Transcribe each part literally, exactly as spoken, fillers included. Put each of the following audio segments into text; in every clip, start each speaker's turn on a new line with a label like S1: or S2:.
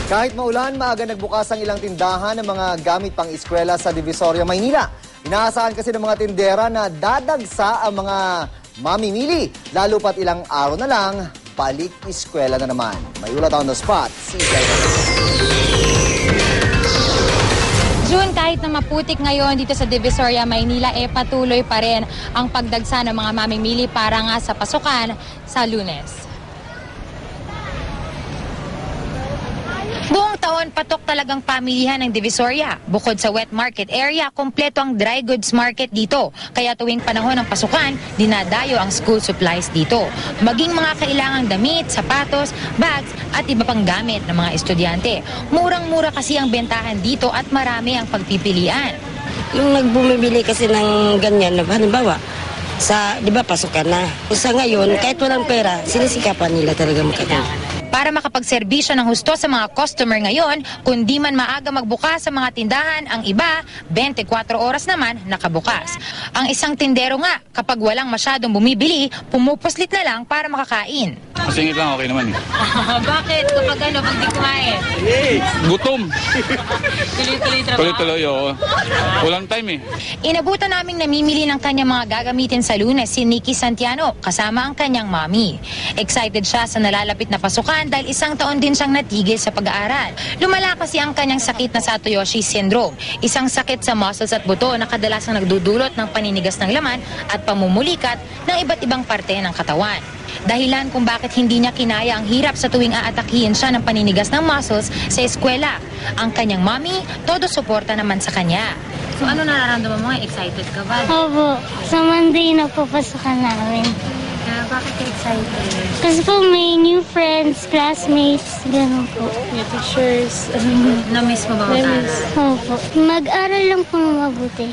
S1: Kahit maulan, maaga nagbukas ang ilang tindahan ng mga gamit pang eskwela sa Divisoria, Maynila. Inaasahan kasi ng mga tindera na dadagsa ang mga mamimili, lalo pat ilang araw na lang, balik eskwela na naman. May ulat on the spot, si
S2: June, kahit na maputik ngayon dito sa Divisoria, Maynila, eh patuloy pa rin ang pagdagsa ng mga mamimili para nga sa pasukan sa Lunes. Buong taon, patok talagang pamilihan ng Divisoria. Bukod sa wet market area, kompleto ang dry goods market dito. Kaya tuwing panahon ng pasukan, dinadayo ang school supplies dito. Maging mga kailangang damit, sapatos, bags at iba pang gamit ng mga estudyante. Murang-mura kasi ang bentahan dito at marami ang pagpipilian.
S3: Yung nagbumibili kasi ng ganyan, halimbawa, sa, di ba, pasukan na. Sa ngayon, kahit walang pera, sinisikapan nila talaga makatulong.
S2: Para makapagserbisyo ng husto sa mga customer ngayon, kundi man maaga magbukas sa mga tindahan, ang iba, twenty-four oras naman nakabukas. Ang isang tindero nga, kapag walang masyadong bumibili, pumupuslit na lang para makakain.
S4: Masingit lang, okay naman eh.
S2: Bakit? Kapag ano, pag di kumain?
S4: Gutom.
S2: Tuloy-tuloy trabaho?
S4: Tuloy-tuloy, oo. Walang time eh.
S2: Inabutan naming namimili ng kanyang mga gagamitin sa Lunes si Nikki Santiano, kasama ang kanyang mami. Excited siya sa nalalapit na pasukan dahil isang taon din siyang natigil sa pag-aaral. Lumala kasi ang kanyang sakit na Satoyoshi Syndrome, isang sakit sa muscles at buto na kadalasang nagdudulot ng paninigas ng laman at pamumulikat ng iba't ibang parte ng katawan. Dahilan kung bakit hindi niya kinaya ang hirap sa tuwing aatakihin siya ng paninigas ng muscles sa eskwela. Ang kanyang mami, todo suporta naman sa kanya. So ano nararamdaman mo? Excited ka ba?
S5: Opo, sa Monday na po pasukan namin.
S2: Uh, bakit ka excited?
S5: Kasi po may new friends, classmates, gano'n po.
S2: Your teachers. Na-miss mo ba mag-aral?
S5: Opo, mag-aral lang po mabuti.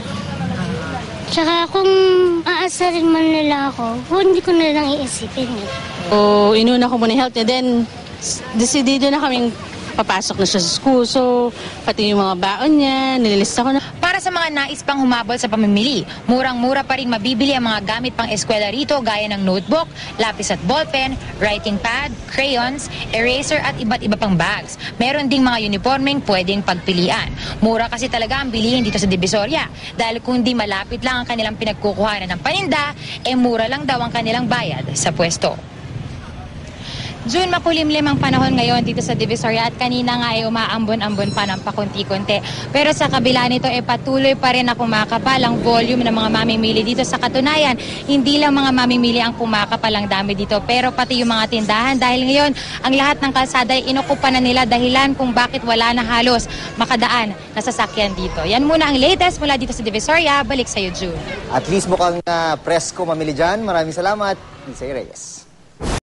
S5: Tsaka kung aasarin man nila ako, hindi ko na lang iisipin eh.
S6: O inuna ko muna health niya, then decidido na kaming papasok na siya sa school. So, pati yung mga baon niya, nililista ko na.
S2: Para sa mga nais pang humabol sa pamimili, murang-mura pa rin mabibili ang mga gamit pang eskwela rito gaya ng notebook, lapis at ballpen, writing pad, crayons, eraser at iba't iba pang bags. Meron ding mga uniformeng pwedeng pagpilian. Mura kasi talaga ang bilihin dito sa Divisoria dahil kung di malapit lang ang kanilang pinagkukuhanan ng paninda, eh mura lang daw ang kanilang bayad sa pwesto. June, makulimlim ang panahon ngayon dito sa Divisoria at kanina nga ay umaambon-ambon pa ng pakunti-kunti. Pero sa kabila nito ay patuloy pa rin na kumakapal ang volume ng mga mamimili dito. Sa katunayan, hindi lang mga mamimili ang kumakapal ang dami dito, pero pati yung mga tindahan dahil ngayon ang lahat ng kalsada ay inukupa na nila dahilan kung bakit wala na halos makadaan na sasakyan dito. Yan muna ang latest mula dito sa Divisoria. Balik sa'yo, June.
S1: At least mukhang uh, presko mamili dyan. Maraming salamat, Lisa Reyes.